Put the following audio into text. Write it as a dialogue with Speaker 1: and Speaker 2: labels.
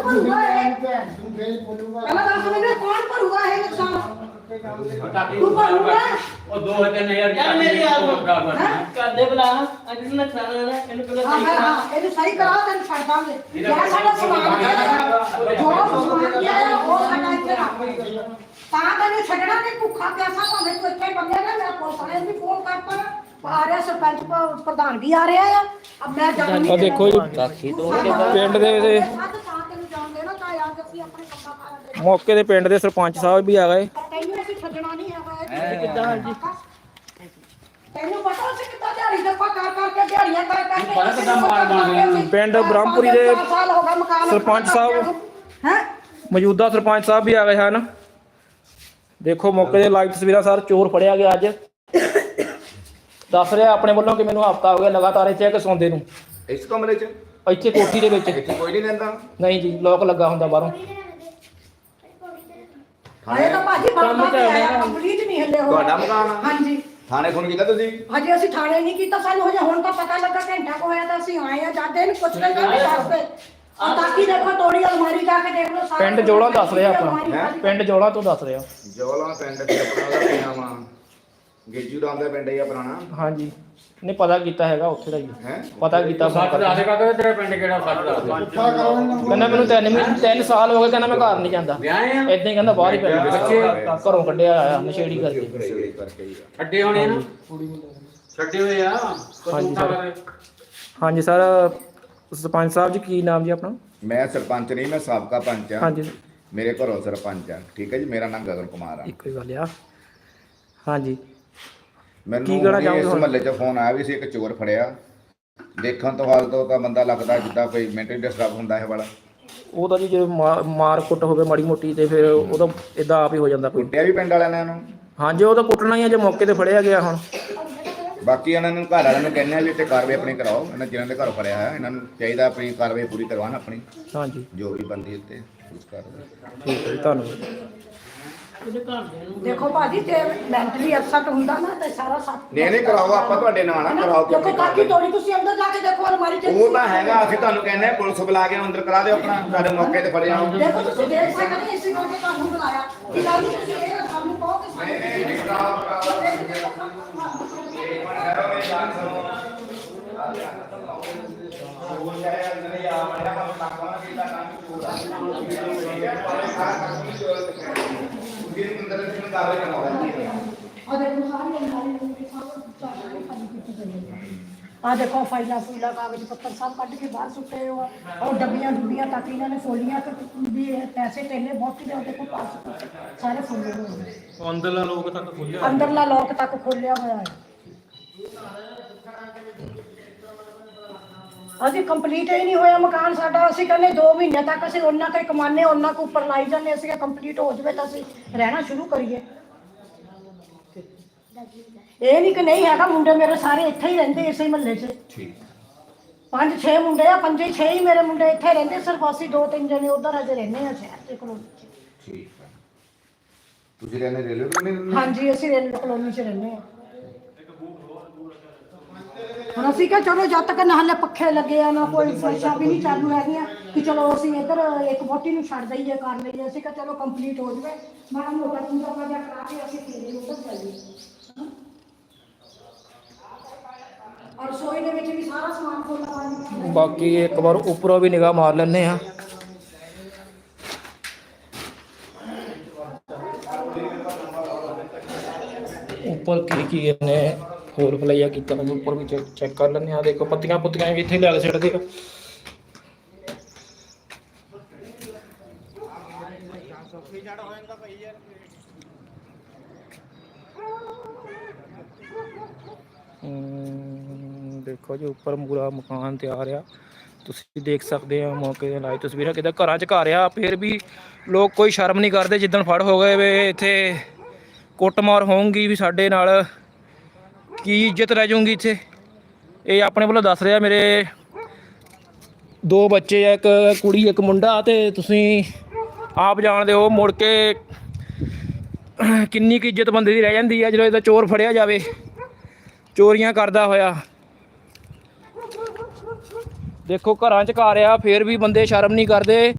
Speaker 1: ਭਰੂਗਾ ਇਹ? ਪਹਿਲਾਂ ਦੱਸ ਮੈਨੂੰ ਕੌਣ ਭਰੂਗਾ ਇਹ ਨੁਕਸਾਨ? ਤੂੰ ਭਰੂਗਾ?
Speaker 2: ਉਹ 2-3000
Speaker 3: ਯਾਰ ਮੇਰੀ ਯਾਰ
Speaker 1: ਹੈਂ?
Speaker 3: ਕਰਦੇ ਬਲਾ ਅੱਜ ਨਾ ਖਾਣਾ ਇਹਨੂੰ ਪਹਿਲਾਂ
Speaker 1: ਹਾਂ
Speaker 3: ਸਹੀ
Speaker 1: ਹਾਂ
Speaker 3: ਕਰਾ
Speaker 1: ਹਾਂ, ਇਹਨੂੰ ਸਹੀ ਕਰਾ ਤੈਨੂੰ ਛੱਡ ਦਾਂਗੇ ਜਿਹੜਾ ਸਾਡਾ ਸਮਾਨ ਪਿਆ ਹੈ, ਜੋ ਸਮਾਨ ਪਿਆ ਹੈ, ਉਹ ਸਾਡਾ ਇੱਥੇ ਰੱਖ ਤਾਂ ਤੈਨੂੰ ਛੱਡਣਾ ਨਹੀਂ ਭੁੱਖਾ ਪਿਆਸਾ ਭਾਵੇਂ ਤੂੰ ਇੱਥੇ ਬੰਦੇ ਨਾ ਮੇਰਾ ਪੁਲਿਸ ਵਾਲੇ ਨੂੰ ਵੀ ਫੋਨ ਕਰਤਾ ਆ ਰਿਹਾ ਸਰਪੰਚ ਪ੍ਰਧਾਨ ਵੀ ਆ ਰਿਹਾ ਆ ਅਬ ਮੈਂ ਜਾਣ ਨਹੀਂ
Speaker 4: ਆ ਦੇਖੋ ਜੀ ਪਿੰਡ ਦੇ ਮੌਕੇ ਦੇ ਪਿੰਡ ਦੇ ਸਰਪੰਚ ਸਾਹਿਬ ਵੀ ਆ ਗਏ।
Speaker 1: ਤੈਨੂੰ ਅਸੀਂ ਛੱਡਣਾ ਨਹੀਂ ਹੈਗਾ ਇਹ
Speaker 3: ਕਿੱਦਾਂ ਜੀ
Speaker 1: ਤੈਨੂੰ ਪਤਾ ਸੀ ਕਿੱਦਾਂ ਦਿਹਾੜੀ ਦਾ ਕਰ ਕਰਕੇ ਦਿਹਾੜੀਆਂ ਕਰ ਕਰਕੇ
Speaker 2: ਪਤਾ ਕਿੱਦਾਂ ਮਾਰ ਬਣ
Speaker 4: ਪਿੰਡ ਬ੍ਰਹਮਪੁਰੀ ਦੇ
Speaker 1: ਸਾਲ ਹੋ ਗਏ ਮਕਾਨ
Speaker 4: ਸਰਪੰਚ ਸਾਹਿਬ
Speaker 1: ਹੈ
Speaker 4: ਮੌਜੂਦਾ ਸਰਪੰਚ ਸਾਹਿਬ ਵੀ ਆ ਗਏ ਹਨ। ਦੇਖੋ ਮੌਕੇ ਦੇ ਲਾਈਵ ਤਸਵੀਰਾਂ ਸਰ ਚੋਰ ਫੜਿਆ ਗਿਆ ਅੱਜ ਦੱਸ ਰਿਹਾ ਆਪਣੇ ਵੱਲੋਂ ਕਿ ਮੈਨੂੰ ਹਫਤਾ ਹੋ ਗਿਆ ਲਗਾਤਾਰ ਇੱਥੇ ਕਿ ਸੌਂਦੇ ਨੂੰ
Speaker 5: ਇਸ ਕਮਰੇ 'ਚ
Speaker 4: ਇੱਥੇ ਕੋਠੀ ਦੇ ਵਿੱਚ
Speaker 5: ਇੱਥੇ ਕੋਈ ਨਹੀਂ ਰਹਿੰਦਾ।
Speaker 4: ਨਹੀਂ ਜੀ ਲੋਕ ਲੱਗਾ ਹੁੰਦਾ ਬਾਹਰੋਂ
Speaker 1: ਆਏ ਤਾਂ ਭਾਜੀ ਕੰਮ ਚੱਲਦਾ ਕੰਪਲੀਟ ਨਹੀਂ ਹੱਲੇ ਹੋ
Speaker 5: ਤੁਹਾਡਾ ਮਕਾਨ ਆ?
Speaker 1: ਹਾਂਜੀ
Speaker 5: ਥਾਣੇ ਫੋਨ ਕੀਤਾ ਤੁਸੀਂ?
Speaker 1: ਹਜੇ ਅਸੀਂ ਥਾਣੇ ਨਹੀਂ ਕੀਤਾ ਸਾਨੂੰ ਹਜੇ ਹੁਣ ਤਾਂ ਪਤਾ ਲੱਗਾ ਘੰਟਾ ਕੋ ਹੋਇਆ ਤਾਂ ਅਸੀਂ ਆਏ ਆ ਜਾਂਦੇ ਇਹਨੂੰ ਪੁੱਛ ਲੈਂਦੇ ਆ ਦੱਸਦੇ ਆ ਤਾਂ ਕੀ ਦੇਖੋ ਤੋੜੀ ਅਲਮਾਰੀ ਜਾ ਕੇ ਦੇਖ ਲਓ ਸਾਰਾ
Speaker 4: ਪਿੰਡ ਜੋਲਾ ਦੱਸ ਰਿਹਾ ਆਪਣਾ
Speaker 5: ਹੈਂ?
Speaker 4: ਪਿੰਡ ਜੋਲਾ ਤੋਂ ਦੱਸ ਰਿਹਾ
Speaker 5: ਜੋਲਾ ਪਿੰਡ ਤੇ ਆਪਣਾ ਦਾ ਪਿਆ ਵਾ ਗੇਜੂ ਰਾਮ ਦਾ ਪਿੰਡ ਹੀ ਆ ਪੁਰਾਣਾ।
Speaker 4: ਹਾਂਜੀ ਨੇ ਪਤਾ ਕੀਤਾ ਹੈਗਾ ਉੱਥੇ ਦਾ ਹੀ
Speaker 5: ਹੈ
Speaker 4: ਪਤਾ ਕੀਤਾ
Speaker 2: ਸੱਚ ਦੱਸ ਦੇ ਕਾਕਾ ਤੇਰਾ ਪਿੰਡ ਕਿਹੜਾ ਸੱਚ ਦੱਸ ਦੇ
Speaker 4: ਕਹਿੰਦਾ ਮੈਨੂੰ 3 ਸਾਲ ਹੋ ਗਏ ਕਹਿੰਦਾ ਮੈਂ ਘਰ ਨਹੀਂ ਜਾਂਦਾ
Speaker 2: ਵਿਆਹ ਆ
Speaker 4: ਏਦਾਂ ਹੀ ਕਹਿੰਦਾ ਬਾਹਰ ਹੀ ਪੈਂਦਾ
Speaker 2: ਬੱਚੇ
Speaker 4: ਘਰੋਂ ਕੱਢਿਆ ਆਇਆ ਨਸ਼ੇੜੀ ਕਰਕੇ
Speaker 5: ਸਹੀ ਕਰਕੇ ਹੀ ਆ।
Speaker 2: ਛੱਡੇ ਹੋਣੇ ਨਾ ਛੱਡੇ ਹੋਏ ਆ
Speaker 4: ਹਾਂਜੀ ਸਰ ਹਾਂਜੀ ਸਰ ਸਰਪੰਚ ਸਾਹਿਬ ਜੀ ਕੀ ਨਾਮ ਜੀ ਆਪਣਾ?
Speaker 5: ਮੈਂ ਸਰਪੰਚ ਨਹੀਂ, ਮੈਂ ਸਾਬਕਾ ਪੰਚ ਆ।
Speaker 4: ਹਾਂਜੀ
Speaker 5: ਮੇਰੇ ਘਰੋਂ ਸਰਪੰਚ ਆ, ਠੀਕ ਹੈ ਜੀ। ਮੇਰਾ ਨਾਮ ਗਗਨ ਕੁਮਾਰ ਆ।
Speaker 4: ਇੱਕੋ ਹੀ ਗੱਲ ਆ ਹਾਂਜੀ
Speaker 5: ਮੈਨੂੰ
Speaker 4: ਕੀ ਕਹਿਣਾ
Speaker 5: ਵੀ
Speaker 4: ਚਾਹੋਗੇ
Speaker 5: ਇਸ
Speaker 4: ਹੁਣ?
Speaker 5: ਮਹੱਲੇ 'ਚ ਫੋਨ ਆਇਆ ਵੀ ਸੀ ਇੱਕ ਚੋਰ ਫੜਿਆ। ਦੇਖਣ ਤੋਂ ਹਾਲ ਤੋਂ ਤਾਂ ਬੰਦਾ ਲੱਗਦਾ ਜਿੱਦਾਂ ਕੋਈ ਮੈਂਟਲੀ ਡਿਸਟਰਬ ਹੁੰਦਾ ਹੈ ਵਾਲਾ।
Speaker 4: ਉਹ ਤਾਂ ਜੀ ਜੇ ਮਾਰ ਕੁੱਟ ਹੋਵੇ ਮਾੜੀ ਮੋਟੀ ਤੇ ਫਿਰ ਉਹ ਤਾਂ ਇਦਾਂ ਆਪ ਹੀ ਹੋ ਜਾਂਦਾ ਕੋਈ।
Speaker 5: ਕੁੱਟਿਆ ਵੀ ਪਿੰਡ ਵਾਲਿਆਂ ਨੇ ਇਹਨੂੰ।
Speaker 4: ਹਾਂਜੀ ਉਹ ਤਾਂ ਕੁੱਟਣਾ ਹੀ ਆ ਜੇ ਮੌਕੇ ਤੇ ਫੜਿਆ ਗਿਆ ਹੁਣ
Speaker 5: ਬਾਕੀ ਇਹਨਾਂ ਨੂੰ ਘਰ ਵਾਲਿਆਂ ਨੂੰ ਕਹਿੰਦੇ ਆ ਵੀ ਇੱਥੇ ਕਾਰਵਾਈ ਆਪਣੀ ਕਰਾਓ। ਇਹਨਾਂ ਜਿਹਨਾਂ ਦੇ ਘਰ ਫੜਿਆ ਹੈ ਇਹਨਾਂ ਨੂੰ ਚਾਹੀਦਾ ਆਪਣੀ ਕਾਰਵਾਈ ਪੂਰੀ ਕਰਵਾਉਣ ਆਪਣੀ
Speaker 4: ਹਾਂਜੀ
Speaker 5: ਜੋ ਵੀ ਬੰਦੀ ਉੱਤੇ ਉਸ ਕਾਰਵਾਈ।
Speaker 4: ਠੀਕ ਹੈ ਜੀ ਧੰਨਵਾਦ।
Speaker 3: ਇਹਦੇ ਘਰ ਦੇ ਨੂੰ
Speaker 1: ਦੇਖੋ ਭਾਜੀ ਜੇ ਮੈਂਟਲੀ ਅਪਸੈਟ ਹੁੰਦਾ ਨਾ ਤੇ ਸਾਰਾ ਸੱਤ
Speaker 5: ਨਹੀਂ ਕਰਾਓ, ਆਪਾਂ ਤੁਹਾਡੇ ਨਾਲ ਆ ਕਰਾਓ।
Speaker 1: ਦੇਖੋ ਕਾਕੀ ਤੋੜੀ ਤੁਸੀਂ ਅੰਦਰ ਜਾ ਕੇ ਦੇਖੋ ਅਲਮਾਰੀ ਚ
Speaker 5: ਉਹ ਤਾਂ ਹੈਗਾ, ਅਸੀਂ ਤੁਹਾਨੂੰ ਕਹਿੰਦੇ ਆ ਪੁਲਿਸ ਬੁਲਾ ਕੇ ਅੰਦਰ ਕਰਾ ਦਿਓ ਆਪਣਾ, ਤੁਹਾਡੇ ਮੌਕੇ ਤੇ ਫੜਿਆ ਜਾਓ।
Speaker 1: ਦੇਖੋ ਤੁਸੀਂ ਦੇਖ ਸਕਦੇ ਹੋ ਇਸੇ ਕਰਕੇ ਤੁਹਾਨੂੰ ਬੁਲਾਇਆ ਕਿ ਗੱਲ ਨਹੀਂ ਤੁਸੀਂ ਇਹ ਸਾਨੂੰ ਕਹੋ ਕਿ ਸਾਨੂੰ ਆ ਦੇਖੋ ਫਾਈਲਾਂ ਫੂਲਾਂ ਕਾਗਜ਼ ਪੱਤਰ ਸਭ ਕੱਢ ਕੇ ਬਾਹਰ ਸੁੱਟੇ ਹੋ ਔਰ ਡੱਬੀਆਂ ਡੁੱਬੀਆਂ ਤੱਕ ਇਹਨਾਂ ਨੇ ਫੋਲੀਆਂ ਤੇ ਵੀ ਪੈਸੇ ਟੇਲੇ ਬਹੁਤ ਦੇ ਦੇਖੋ ਪਾਸ ਸਾਰੇ ਫੁੱਲੇ ਹੋਏ ਨੇ।
Speaker 4: ਅੰਦਰਲਾ ਲੋਕ ਤੱਕ ਖੁੱਲਿਆ
Speaker 1: ਅੰਦਰਲਾ ਲੋਕ ਤੱਕ ਖੋਲਿਆ ਹੋਇਆ ਹੈ। ਅਸੀਂ ਕੰਪਲੀਟ ਹੀ ਨਹੀਂ ਹੋਇਆ ਮਕਾਨ ਸਾਡਾ। ਅਸੀਂ ਕਹਿੰਦੇ 2 ਮਹੀਨੇ ਤੱਕ ਅਸੀਂ ਉਹਨਾਂ ਕੇ ਕਮਾਨੇ ਉਹਨਾਂ ਕੋ ਉੱਪਰ ਲਾਈ ਜਾਂਦੇ। ਅਸੀਂ ਕੰਪਲੀਟ ਹੋ ਜਾਵੇ ਤਾਂ ਅਸੀਂ ਰਹਿਣਾ ਸ਼ੁਰੂ ਕਰੀਏ। ਇਹ ਨਹੀਂ ਕਿ ਨਹੀਂ ਹੈਗਾ, ਮੁੰਡੇ ਮੇਰੇ ਸਾਰੇ ਇੱਥੇ ਹੀ ਰਹਿੰਦੇ ਇਸੇ ਮਹੱਲੇ 'ਚ।
Speaker 5: ਠੀਕ
Speaker 1: 5-6 ਮੁੰਡੇ ਆ, 5-6 ਹੀ ਮੇਰੇ ਮੁੰਡੇ ਇੱਥੇ ਰਹਿੰਦੇ। ਸਿਰਫ ਅਸੀਂ 2-3 ਜਣੇ ਉਧਰ ਅਜੇ ਰਹਿੰਦੇ ਆ ਸ਼ਹਿਰ ਦੇ ਕਲੋਨੀ 'ਚ।
Speaker 5: ਠੀਕ ਹੈ। ਤੁਸੀਂ ਰਹਿੰਦੇ ਰੇਲਵੇ ਕਲੋਨੀ?
Speaker 1: ਹਾਂਜੀ ਅਸੀਂ ਰੇਲਵੇ ਕਲੋਨੀ 'ਚ ਰਹਿੰਦੇ ਆ। ਹੁਣ ਅਸੀਂ ਕਿਹਾ ਚਲੋ ਜਦ ਤੱਕ ਨਾ ਹਲੇ ਪੱਖੇ ਲੱਗੇ ਆ ਨਾ ਕੋਈ ਫਰਸ਼ਾਂ ਵੀ ਨਹੀਂ ਚਾਲੂ ਹੈਗੀਆਂ ਕਿ ਚਲੋ ਅਸੀਂ ਇੱਧਰ ਇੱਕ ਵੋਟੀ ਨੂੰ ਛੱਡ ਦਈਏ ਕਰ ਲਈਏ। ਅਸੀਂ ਕਿਹਾ ਚਲੋ ਕੰਪਲੀਟ ਹੋ ਜਾਵੇ ਮਾੜਾ ਮੋਟਾ ਤੁੰਦਾ ਪਾਜਾ ਕਰਾ ਕੇ ਅਸੀਂ ਫੇਰੇ ਉੱਧਰ ਜਾਈਏ। ਔਰ ਰਸੋਈ ਦੇ ਵਿੱਚ ਵੀ ਸਾਰਾ ਸਮਾਨ ਖੋਲ੍ਹਣਾ।
Speaker 4: ਬਾਕੀ ਇੱਕ ਵਾਰ ਉੱਪਰੋਂ ਵੀ ਨਿਗਾਹ ਮਾਰ ਲੈਂਦੇ ਆ। ਉੱਪਰ ਕੀ ਇਹਨੇ ਹੋਰ ਫਲਾਈਆ ਕੀਤਾ ਹੋਇਆ ਉੱਪਰ ਵੀ ਚੈੱਕ ਕਰ ਲੈਂਦੇ ਆ। ਦੇਖੋ ਪੱਤੀਆਂ ਪੁੱਤੀਆਂ ਵੀ ਇੱਥੇ ਲਿਆ ਸਿੱਟਦੇ ਆ। ਦੇਖੋ ਜੀ ਉੱਪਰ ਪੂਰਾ ਮਕਾਨ ਤਿਆਰ ਆ। ਤੁਸੀਂ ਦੇਖ ਸਕਦੇ ਆ ਮੌਕੇ ਦੇ ਲਾਈਵ ਤਸਵੀਰਾਂ ਕਿੱਦਾਂ ਘਰਾਂ 'ਚ ਘਰ ਆ। ਫਿਰ ਵੀ ਲੋਕ ਕੋਈ ਸ਼ਰਮ ਨਹੀਂ ਕਰਦੇ। ਜਿੱਦਣ ਫੜ ਹੋ ਗਏ ਵੇ ਇੱਥੇ ਕੁੱਟਮਾਰ ਹੋਊਗੀ ਵੀ ਸਾਡੇ ਨਾਲ ਕੀ ਇੱਜ਼ਤ ਰਹਿ ਜਾਊਗੀ ਇੱਥੇ। ਇਹ ਆਪਣੇ ਵੱਲੋਂ ਦੱਸ ਰਿਹਾ ਮੇਰੇ 2 ਬੱਚੇ ਆ, ਇੱਕ ਕੁੜੀ ਇੱਕ ਮੁੰਡਾ। ਤੇ ਤੁਸੀਂ ਆਪ ਜਾਣਦੇ ਹੋ ਮੁੜ ਕੇ ਕਿੰਨੀ ਕੁ ਇੱਜ਼ਤ ਬੰਦੇ ਦੀ ਰਹਿ ਜਾਂਦੀ ਆ ਜਦੋਂ ਇਹਦਾ ਚੋਰ ਫੜਿਆ ਜਾਵੇ ਚੋਰੀਆਂ ਕਰਦਾ ਹੋਇਆ। ਦੇਖੋ ਘਰਾਂ 'ਚ ਘਰ ਆ ਫਿਰ ਵੀ ਬੰਦੇ ਸ਼ਰਮ ਨਹੀਂ ਕਰਦੇ।